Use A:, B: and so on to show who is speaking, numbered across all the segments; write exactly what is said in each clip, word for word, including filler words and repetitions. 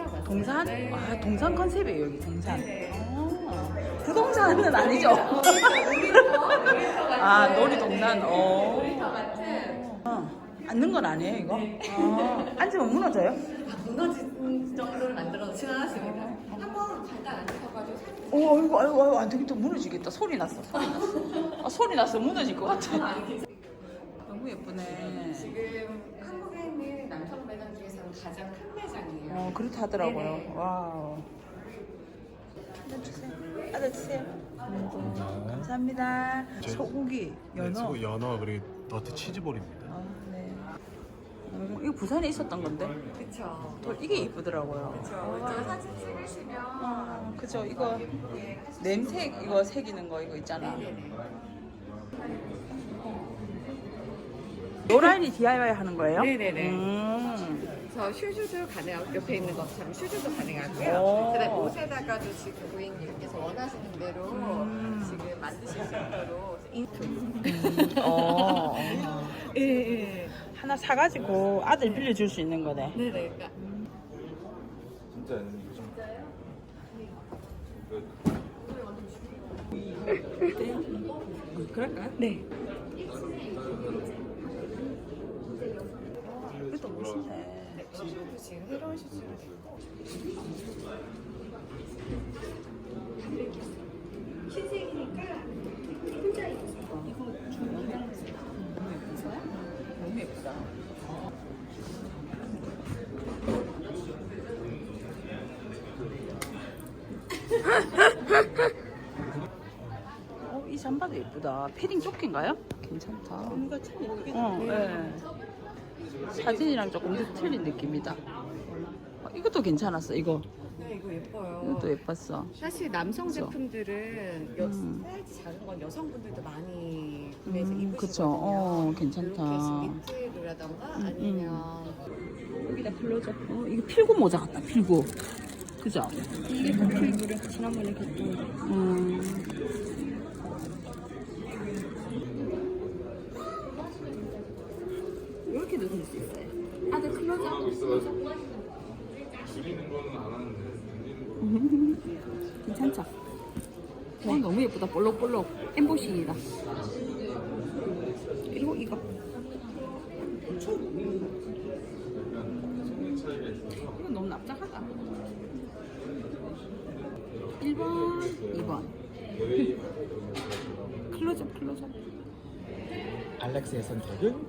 A: 맞아요.
B: 동산?
A: 네.
B: 아, 동산 컨셉이에요, 여기 동산.
A: 네.
B: 아, 부동산은 아니죠?
A: 놀이터, 놀이터 같은.
B: 아, 놀이동산.
A: 네,
B: 어.
A: 놀이터 같은.
B: 어. 앉는 건 아니에요, 이거? 아, 앉으면 무너져요?
A: 아, 무너진 정도를 만들어 지나갔습니다. 한번 잠깐 앉으셔가지고 사진.
B: 오, 아이고, 아이고, 아이고, 안 되겠다. 무너지겠다. 소리 났어, 소리 났어. 아, 소리 났어. 무너질 것 같아. 너무 예쁘네.
A: 지금 한국에 있는 남성 매장 중에서는 가장 큰 매장이에요.
B: 어, 그렇다 하더라고요.
A: 네네.
B: 와우. 아들 주세요. 아들 주세요. 감사합니다. 소고기, 연어.
C: 네, 소고 연어 그리고 너트 치즈볼입니다.
B: 아, 네. 음, 이거 부산에 있었던 건데.
A: 그쵸.
B: 또 이게 이쁘더라고요.
A: 그쵸. 저 사진 찍으시면.
B: 아, 그죠. 이거 냄새 이거 새기는 거 이거 있잖아.
A: 네네네.
B: 노라인이 디아이와이 하는 거예요?
A: 네네네.
B: 음.
A: 저 슈즈도 가능하고 옆에 있는 것처럼 슈즈도 가능하고요.
B: 오.
A: 그다음에 옷에다가도 지금 고객님께서 원하시는 대로
B: 음.
A: 지금 만드실 수 있도록 인투.
B: 어.
A: 예, 예.
B: 하나 사가지고 아들 빌려줄 수 있는 거네.
A: 네네. 그러니까
C: 진짜
B: 그럴까요?
A: 네.
B: 이것도 멋있네.
A: 슈즈도 지금 새로운 슈즈로 됐고.
B: 너무 예쁘다. 어, 이 잠바도 예쁘다. 패딩 조끼인가요? 괜찮다.
A: 뭔가 참 예쁘게
B: 어, 네. 사진이랑 조금 더 틀린 느낌이다. 어, 이것도 괜찮았어. 이거
A: 네, 이거 예뻐요.
B: 이것도 예뻤어.
A: 사실 남성
B: 그쵸?
A: 제품들은 여,
B: 음.
A: 사이즈 작은 건 여성분들도 많이 구매해서
B: 음,
A: 입으시거든요.
B: 그쵸. 어, 괜찮다.
A: 이렇게 니트라던가
B: 음,
A: 아니면
B: 여기다 불러줘. 어, 이거 필구 모자 같다. 필구. 그죠?
A: 이게 더 필구를 지난번에 갔던
B: 음. 이렇게도 될 수 있어요. 아들 클로즈업.
C: 줄이는 거는 안 하는데
B: 괜찮죠? 어, 너무 예쁘다. 볼록볼록. 엠보싱이다. 그리고 이거. 이건 너무 납작하다. 일 번, 이 번. 클로즈업, 클로즈업.
C: 알렉스의 선택은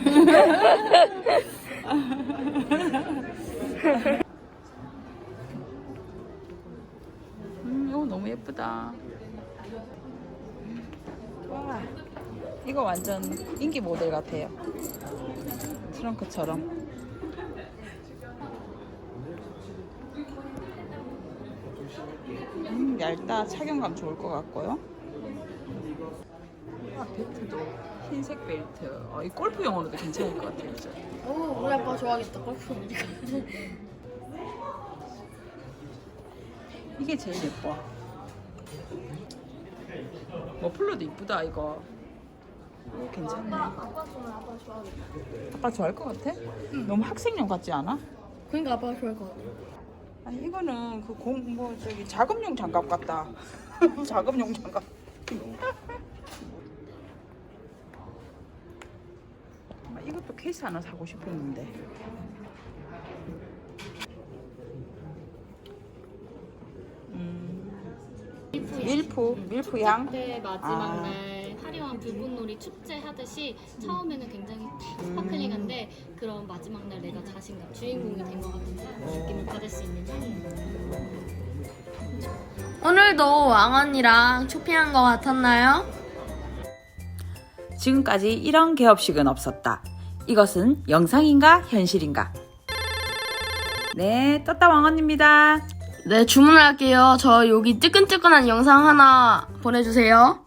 B: 음, 이거 너무 예쁘다. 와, 이거 완전 인기 모델 같아요. 트렁크처럼. 음, 얇다. 착용감 좋을 것 같고요. 아, 벨트도 흰색 벨트. 어, 이 골프용으로도 괜찮을 것 같아요. 그죠?
D: 오, 우리 아빠 좋아하겠다. 골프 우리가.
B: 이게 제일 예뻐. 머플러도 이쁘다 이거. 오, 괜찮네.
D: 아빠 좋아해. 아빠 좋아하겠다.
B: 아빠 좋아할 것 같아? 너무 학생용 같지 않아?
D: 그러니까 아빠가 좋아할 것 같아.
B: 아니 이거는 그 공 뭐 저기 작업용 장갑 같다. 작업용 장갑. 아, 이것도 케이스 하나 사고 싶었는데. 밀프, 밀프 향.
D: 그때 마지막
B: 아.
D: 날 화려한 불꽃놀이 축제 하듯이 처음에는 굉장히 탁 스파클링한데 그런 마지막 날 내가 자신감 주인공이 된 것 같은 느낌을 받을 수 있는 향이에요.
E: 오늘도 왕언니랑 쇼핑한 것 같았나요?
B: 지금까지 이런 개업식은 없었다. 이것은 영상인가 현실인가? 네, 떴다 왕언입니다.
E: 네, 주문할게요. 저 여기 뜨끈뜨끈한 영상 하나 보내주세요.